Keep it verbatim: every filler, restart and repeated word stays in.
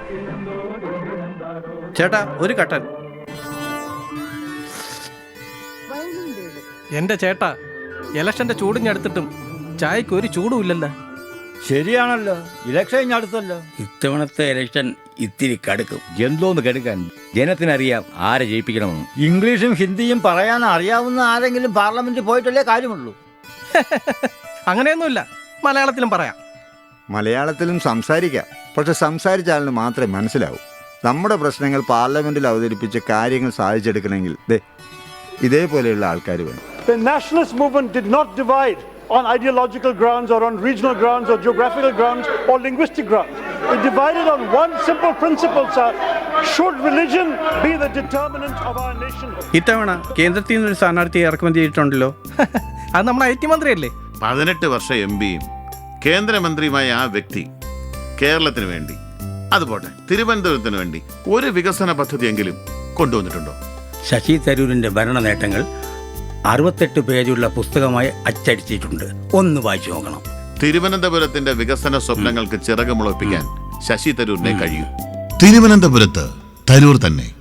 ചേട്ടാ ഒരു കട്ടൻ. എന്റെ ചേട്ടാ, ഇലക്ഷന്റെ ചൂടിഞ്ഞടുത്തിട്ടും ചായക്ക് ഒരു ചൂടും ഇല്ലല്ലോ. ശരിയാണല്ലോ, ഇലക്ഷൻ ഇനി അടുത്തല്ലോ. ഇത്തവണത്തെ ഇലക്ഷൻ ഇത്തിരി കടുക്കും. എന്തോന്ന് കെടുക്കാൻ, ജനത്തിനറിയാം ആരെ ജയിപ്പിക്കണമെന്ന്. ഇംഗ്ലീഷും ഹിന്ദിയും പറയാൻ അറിയാവുന്ന ആരെങ്കിലും പാർലമെന്റിൽ പോയിട്ടല്ലേ കാര്യമുള്ളൂ. അങ്ങനെയൊന്നുമില്ല, മലയാളത്തിലും പറയാം. മലയാളത്തിലും സംസാരിക്കാം, പക്ഷെ സംസാരിച്ചാലിന് മാത്രമേ മനസ്സിലാവൂ. നമ്മുടെ പ്രശ്നങ്ങൾ പാർലമെന്റിൽ അവതരിപ്പിച്ച് കാര്യങ്ങൾ സാധിച്ചെടുക്കണമെങ്കിൽ ദേ ഇതേപോലെയുള്ള ആൾക്കാർ വേണം. The nationalist movement did not divide on ideological grounds or on regional grounds or geographical grounds or linguistic grounds. It divided on one simple principle, sir. Should religion be the determinant of our nationhood? ഇത്തവണ കേന്ദ്രത്തിൽ നിന്നൊരു സ്ഥാനാർത്ഥിയെ ഇറക്കുമതി ചെയ്തിട്ടുണ്ടല്ലോ. അത് നമ്മുടെ I T മന്ത്രിയല്ലേ? പതിനെട്ട് വർഷം എം പിയും കേന്ദ്രമന്ത്രിയുമായ ആ വ്യക്തി കേരളത്തിന് വേണ്ടി, അതുപോട്ടെ തിരുവനന്തപുരത്തിന് വേണ്ടി ഒരു വികസന പദ്ധതിയെങ്കിലും കൊണ്ടുവന്നിട്ടുണ്ടോ? ശശി തരൂരിന്റെ ഭരണ നേട്ടങ്ങൾ അറുപത്തെട്ട് പേജുള്ള പുസ്തകമായി അച്ചടിച്ചിട്ടുണ്ട്. ഒന്ന് വായിച്ചു നോക്കണം. തിരുവനന്തപുരത്തിന്റെ വികസന സ്വപ്നങ്ങൾക്ക് ചിറക് മുളപ്പിക്കാൻ ശശി തരൂരിനെ കഴിയും. തിരുവനന്തപുരത്ത് തരൂർ തന്നെ.